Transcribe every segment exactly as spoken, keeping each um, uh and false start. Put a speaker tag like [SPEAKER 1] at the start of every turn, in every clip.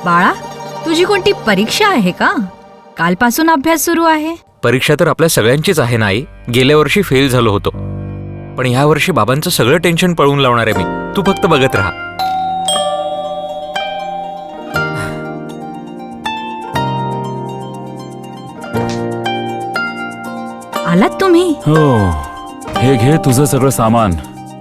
[SPEAKER 1] बाळा, तुझी कोणती परीक्षा आहे का? कालपासून अभ्यास सुरू आहे.
[SPEAKER 2] परीक्षा तर आपल्या सगळ्यांचीच आहे ना आई. गेल्या वर्षी फेल झालो होतो, पण ह्या वर्षी बाबांचं सगळं टेन्शन पळवून लावणार आहे मी. तू फक्त बघत राहा.
[SPEAKER 1] आलात तुम्ही?
[SPEAKER 3] हो, हे घे तुझं सगळं सामान.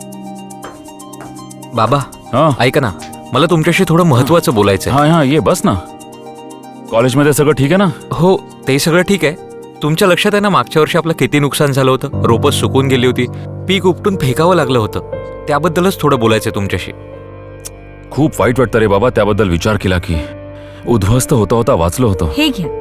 [SPEAKER 2] बाबा
[SPEAKER 3] हा
[SPEAKER 2] ऐका ना, मला तुमच्याशी थोडं महत्वाचं बोलायचं आहे.
[SPEAKER 3] हा हा ये बस ना. कॉलेजमध्ये सगळं ठीक आहे ना?
[SPEAKER 2] हो, ते सगळं ठीक आहे. तुमच्या लक्षात आहे ना मागच्या वर्षी आपलं किती नुकसान झालं होतं? रोपं सुकून गेली होती, पीक उपटून फेकावं लागलं होतं. त्याबद्दलच थोडं बोलायचंय तुमच्याशी.
[SPEAKER 3] खूप वाईट वाटतं रे बाबा. त्याबद्दल विचार केला की उद्ध्वस्त होता होता वाचलो होतो.
[SPEAKER 1] हे घ्या.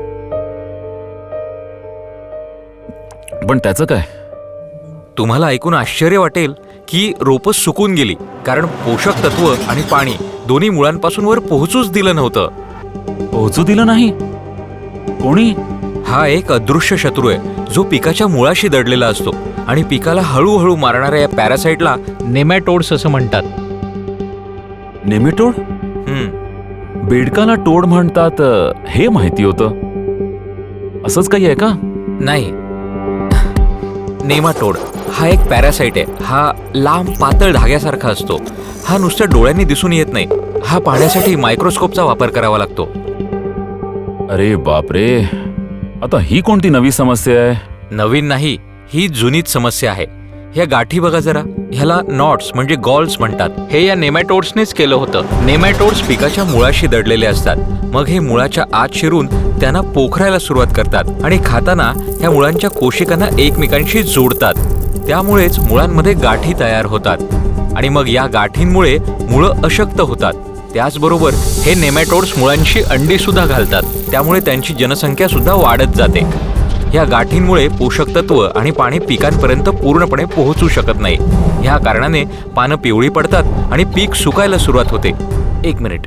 [SPEAKER 3] पण त्याचं काय?
[SPEAKER 2] तुम्हाला ऐकून आश्चर्य वाटेल की रोपं सुकून गेली, कारण पोषक तत्व आणि पाणी दोन्ही मुळांपासून वर पोहोचूच दिलं नव्हतं.
[SPEAKER 3] पोहोचू दिलं नाही? कोणी?
[SPEAKER 2] हा एक अदृश्य शत्रू आहे जो पिकाच्या मुळाशी दडलेला असतो आणि पिकाला हळूहळू मारणाऱ्या या पॅरासाइटला नेमॅटोड्स असं म्हणतात.
[SPEAKER 3] नेमेटोड?
[SPEAKER 2] हम्म
[SPEAKER 3] बेडकाला टोड म्हणतात हे माहिती होतं. असंच काही आहे का?
[SPEAKER 2] नाही, नेमाटोड हा एक पॅरासाइट आहे. हा लांब पातळ धाग्यासारखा असतो. हा नुसत्या डोळ्यांनी दिसून येत नाही. हा पाहण्यासाठी मायक्रोस्कोपचा वापर करावा लागतो.
[SPEAKER 3] अरे बापरे, आता ही कोणती नवी समस्या आहे?
[SPEAKER 2] नवीन नाही, ही जुनीच समस्या आहे. ह्या गाठी बघा जरा, ह्याला नॉट्स म्हणजे गॉल्स म्हणतात. हे या नेमॅटोड्सनेच केलं होतं. नेमॅटोड्स पिकाच्या मुळाशी दडलेले असतात. मग हे मुळाच्या आत शिरून त्यांना पोखरायला सुरुवात करतात आणि खाताना ह्या मुळांच्या कोशिकांना एकमेकांशी जोडतात. त्यामुळेच मुळांमध्ये गाठी तयार होतात आणि मग या गाठींमुळे मुळं अशक्त होतात. त्याचबरोबर हे नेमॅटोड्स मुळांशी अंडी सुद्धा घालतात. त्यामुळे त्यांची जनसंख्या सुद्धा वाढत जाते. या गाठींमुळे पोषक तत्व आणि पाणी पिकांपर्यंत पूर्णपणे पोहोचू शकत नाही. ह्या कारणाने पानं पिवळी पडतात आणि पीक सुकायला सुरुवात होते. एक मिनिट.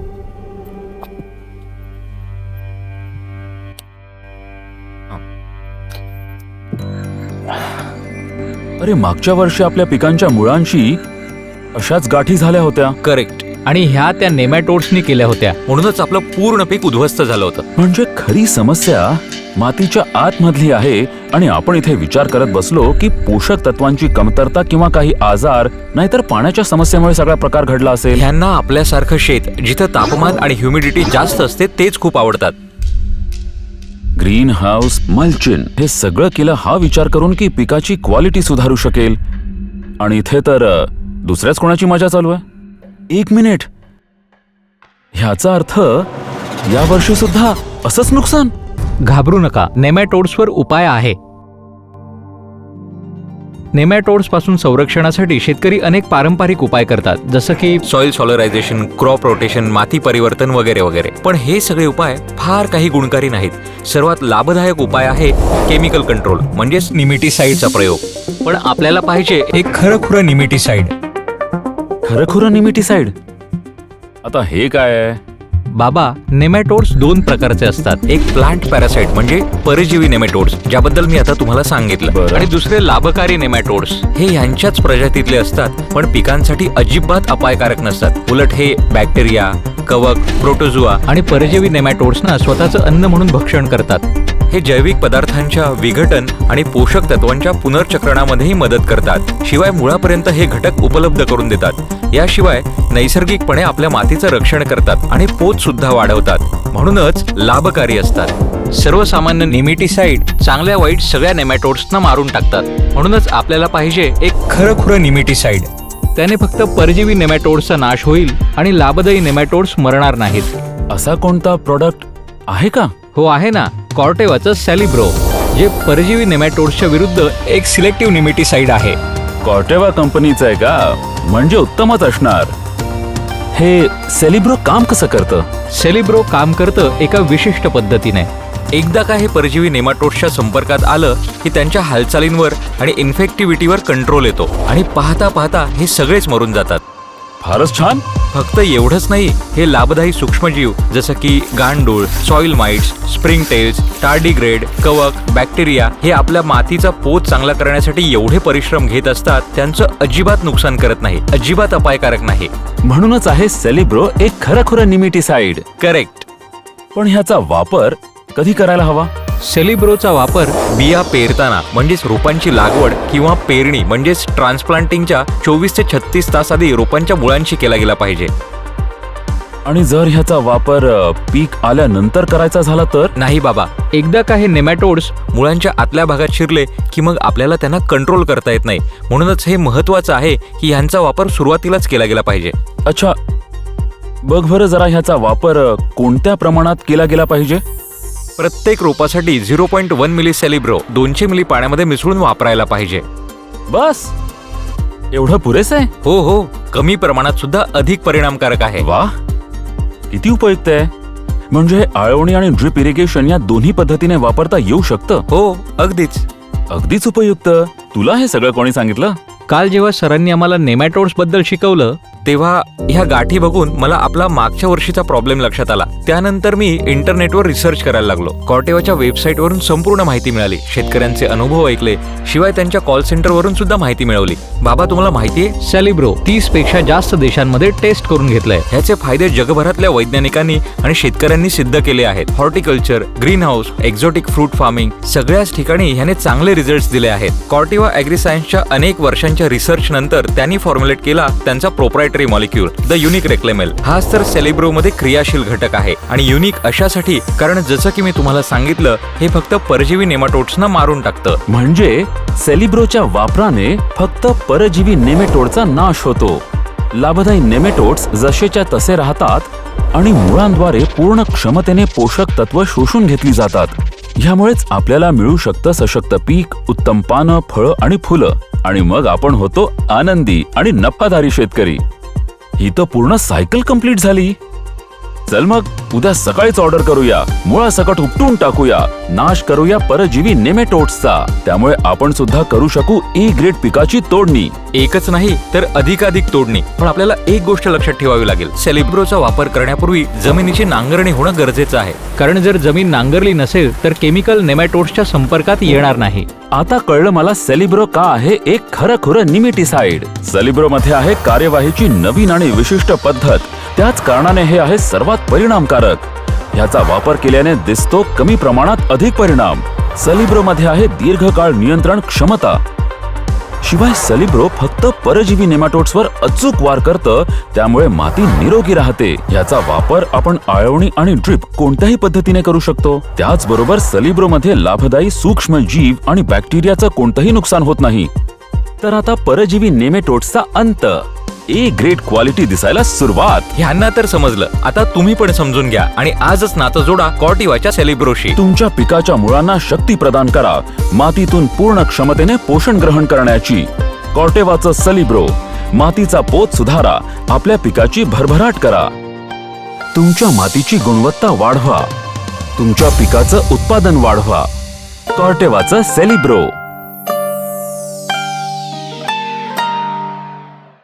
[SPEAKER 3] अरे मागच्या वर्षी आपल्या पिकांच्या मुळांशी अशाच गाठी झाल्या होत्या.
[SPEAKER 2] करेक्ट. आणि ह्या त्या नेमॅटोड्सनी केल्या होत्या, म्हणूनच आपलं पूर्ण पीक उद्ध्वस्त झालं होतं.
[SPEAKER 3] म्हणजे खरी समस्या मातीच्या आतमधली आहे आणि आपण इथे विचार करत बसलो की पोषक तत्वांची कमतरता किंवा काही आजार, नाहीतर पाण्याच्या समस्येमुळे सगळा प्रकार घडला असेल.
[SPEAKER 2] ह्यांना आपल्यासारखं शेत जिथं तापमान आणि ह्युमिडिटी जास्त असते तेच खूप आवडतात.
[SPEAKER 3] ग्रीन हाऊस, मल्चिन हे सगळं केलं हा विचार करून की पिकाची क्वालिटी सुधारू शकेल. आणि इथे तर अ, दुसऱ्याच कोणाची मजा चालू आहे. एक मिनिट, ह्याचा अर्थ या वर्षी सुद्धा असंच नुकसान?
[SPEAKER 2] घाबरू नका, नेमॅटोड्सवर उपाय आहे. नेमॅटोड्स पासून संरक्षणासाठी शेतकरी अनेक पारंपरिक उपाय करतात, जसं की सॉइल सॉलरायझेशन, क्रॉप रोटेशन, माती परिवर्तन वगैरे वगैरे. पण हे सगळे उपाय फार काही गुणकारी नाहीत. सर्वात लाभदायक उपाय आहे केमिकल कंट्रोल म्हणजेच निमिटीसाइडचा प्रयोग. पण आपल्याला पाहिजे एक खरंखुरं निमिटीसाइड.
[SPEAKER 3] खरंखुरं निमिटीसाइड? आता हे काय आहे?
[SPEAKER 2] बाबा, नेमॅटोड्स दोन प्रकारचे असतात. एक प्लांट पॅरासाइट म्हणजे परजीवी नेमॅटोड्स, ज्याबद्दल मी आता तुम्हाला सांगितलं.
[SPEAKER 3] बरं.
[SPEAKER 2] आणि दुसरे लाभकारी नेमॅटोड्स. हे ह्यांच्याच प्रजातीतले असतात, पण पिकांसाठी अजिबात अपायकारक नसतात. उलट हे बॅक्टेरिया, कवक, प्रोटोझुआ आणि परजीवी नेमॅटोड्सना स्वतःचं अन्न म्हणून भक्षण करतात. हे जैविक पदार्थांच्या विघटन आणि पोषक तत्वांच्या पुनर्चक्रणामध्येही मदत करतात. शिवाय मुळापर्यंत हे घटक उपलब्ध करून देतात. याशिवाय नैसर्गिकपणे आपल्या मातीचं रक्षण करतात आणि पोत सुद्धा वाढवतात, म्हणूनच लाभकारी असतात. सर्वसामान्य निमिटीसाइड चांगल्या वाईट सगळ्या नेमॅटोड्सना मारून टाकतात. म्हणूनच आपल्याला पाहिजे एक खरंखुरं निमिटीसाइड. त्याने फक्त परजीवी नेमॅटोड्सचा नाश होईल आणि लाभदायी नेमॅटोड्स मरणार नाहीत.
[SPEAKER 3] असा कोणता प्रोडक्ट आहे का?
[SPEAKER 2] हो आहे ना, कॉर्टेवाचं सॅलिब्रो, जे परजीवी नेमॅटोड्सच्या विरुद्ध एक सिलेक्टिव्ह निमिटीसाइड आहे.
[SPEAKER 3] कॉर्टेवा कंपनीचं आहे का? म्हणजे उत्तमच असणार. हे सेलिब्रो काम कसं करतं?
[SPEAKER 2] सेलिब्रो काम करतं एका विशिष्ट पद्धतीने. एकदा का हे परजीवी नेमाटोड्सच्या संपर्कात आलं की त्यांच्या हालचालींवर आणि इन्फेक्टिव्हिटीवर कंट्रोल येतो आणि पाहता पाहता हे सगळेच मरून जातात.
[SPEAKER 3] फारच छान.
[SPEAKER 2] फक्त एवढंच नाही, हे लाभदायी सूक्ष्मजीव जसं की गांडूळ, soil mites, spring tails, tardigrade, कवक, बॅक्टेरिया हे आपल्या मातीचा पोत चांगला करण्यासाठी एवढे परिश्रम घेत असतात, त्यांचं अजिबात नुकसान करत नाही, अजिबात अपायकारक नाही.
[SPEAKER 3] म्हणूनच आहे सेलिब्रो एक खरंखुरं निमिटीसाइड.
[SPEAKER 2] करेक्ट.
[SPEAKER 3] पण ह्याचा वापर कधी करायला हवा?
[SPEAKER 2] सेलिब्रोचा वापर बिया पेरताना म्हणजेच रोपांची लागवड किंवा पेरणी म्हणजेच ट्रान्सप्लांटिंगच्या चोवीस ते छत्तीस तास आधी रोपांच्या मुळांशी केला गेला पाहिजे.
[SPEAKER 3] आणि जर ह्याचा वापर अ, पीक आल्यानंतर करायचा झाला तर?
[SPEAKER 2] नाही बाबा, एकदा का हे नेमॅटोड्स मुळांच्या आतल्या भागात शिरले की मग आपल्याला त्यांना कंट्रोल करता येत नाही. म्हणूनच हे महत्वाचं आहे की ह्यांचा वापर सुरुवातीलाच केला गेला पाहिजे.
[SPEAKER 3] अच्छा, बघ बरं जरा ह्याचा वापर अ, कोणत्या प्रमाणात केला गेला पाहिजे?
[SPEAKER 2] प्रत्येक रोपासाठी zero point one ml Celebro दोनशे मिली पाण्यामध्ये मिसळून वापरायला पाहिजे.
[SPEAKER 3] बस एवढं पुरेसं आहे?
[SPEAKER 2] हो हो, कमी प्रमाणात सुद्धा अधिक परिणामकारक आहे.
[SPEAKER 3] वा, किती उपयुक्त आहे. म्हणजे आळवणी आणि ड्रिप इरिगेशन या दोन्ही पद्धतीने वापरता येऊ शकतं?
[SPEAKER 2] हो, अगदीच.
[SPEAKER 3] अगदीच उपयुक्त. तुला हे सगळं कोणी सांगितलं?
[SPEAKER 2] काल जेव्हा सरांनी आम्हाला नेमॅटोड्स बद्दल शिकवलं तेव्हा ह्या गाठी बघून मला आपला मागच्या वर्षीचा प्रॉब्लेम लक्षात आला. त्यानंतर मी इंटरनेटवर रिसर्च करायला लागलो. कॉर्टेवाच्या वेबसाईटवरून संपूर्ण माहिती मिळाली, शेतकऱ्यांचे अनुभव ऐकले, शिवाय त्यांच्या कॉल सेंटरवरून सुद्धा माहिती मिळवली. बाबा, तुम्हाला माहितीये सेलिब्रो तीस पेक्षा जास्त देशांमध्ये टेस्ट करून घेतलंय. ह्याचे फायदे जगभरातल्या वैज्ञानिकांनी आणि शेतकऱ्यांनी सिद्ध केले आहेत. Horticulture, green house, exotic fruit farming सगळ्याच ठिकाणी ह्याने चांगले रिझल्ट्स दिले आहेत. कॉर्टेवा ॲग्री सायन्सच्या अनेक वर्षांच्या रिसर्च नंतर त्यांनी फॉर्म्युलेट केला त्यांचा proprietary molecule the unique reclamel. हाच तर सेलिब्रो मध्ये क्रियाशील घटक आहे. आणि युनिक अशासाठी कारण जसं की मी तुम्हाला सांगितलं, हे फक्त परजीवी नेमाटोड्सना मारून टाकतं.
[SPEAKER 3] म्हणजे सेलिब्रोच्या वापराने फक्त परजीवी नेमेटोडचा नाश होतो. लाभदायी नेमेटोड्स जसेच्या तसे राहतात आणि मुळांद्वारे पूर्ण क्षमतेने पोषक तत्व शोषून घेतली जातात. ह्यामुळेच आपल्याला मिळू शकतं सशक्त पीक, उत्तम पानं, फळं आणि फुलं. आणि मग आपण होतो आनंदी आणि नफादारी शेतकरी. ही तर पूर्ण सायकल कंप्लीट झाली. चल मग उद्या सकाळीच ऑर्डर करूया. मुळासकट उपटून टाकूया, नाश करूया परजीवी नेमेटोड्सचा. त्यामुळे आपण सुद्धा करू शकू ए ग्रेड पिकाची तोडणी.
[SPEAKER 2] एकच नाही तर अधिकाधिक तोडणी. पण आपल्याला एक गोष्ट लक्षात ठेवावी लागेल, सेलिब्रोचा वापर करण्यापूर्वी जमिनीची नांगरणी होणं गरजेचं आहे. कारण जर जमीन नांगरली नसेल तर केमिकल नेमॅटोड्सच्या संपर्कात येणार नाही.
[SPEAKER 3] आता कळलं मला सेलिब्रो का आहे एक खरंखुरं निमिटीसाइड. सेलिब्रो मध्ये आहे कार्यवाहीची नवीन आणि विशिष्ट पद्धत. त्याच कारणाने हे आहे सर्वात परिणामकारक. ह्याचा वापर केल्याने दिसतो कमी प्रमाणात अधिक परिणाम. सेलिब्रो मध्ये आहे दीर्घकाळ नियंत्रण क्षमता. शिवाय सेलिब्रो फक्त परजीवी नेमाटोड्सवर अचूक वार करतं, त्यामुळे माती निरोगी राहते. याचा वापर आपण आळवणी आणि ड्रिप कोणत्याही पद्धतीने करू शकतो. त्याचबरोबर सेलिब्रो मध्ये लाभदायी सूक्ष्म जीव आणि बॅक्टेरियाचं कोणतंही नुकसान होत नाही. तर आता परजीवी नेमेटोड्सचा अंत, ए ग्रेड क्वालिटी दिसायला सुरुवात.
[SPEAKER 2] ह्यांना तर समजलं. आता तुम्ही पण समजून घ्या आणि आजच नातं जोडा कॉर्टेवाच्या सेलिब्रोशी.
[SPEAKER 3] तुमच्या पिकाच्या मुळांना शक्ती प्रदान करा, मातीतून पूर्ण क्षमतेने पोषण ग्रहण करण्याची. कॉर्टेवाचं सेलिब्रो. मातीचा पोत सुधारा, आपल्या पिकाची भरभराट करा. तुमच्या मातीची गुणवत्ता वाढवा, तुमच्या पिकाचं उत्पादन वाढवा. कॉर्टेवाचं सेलिब्रो.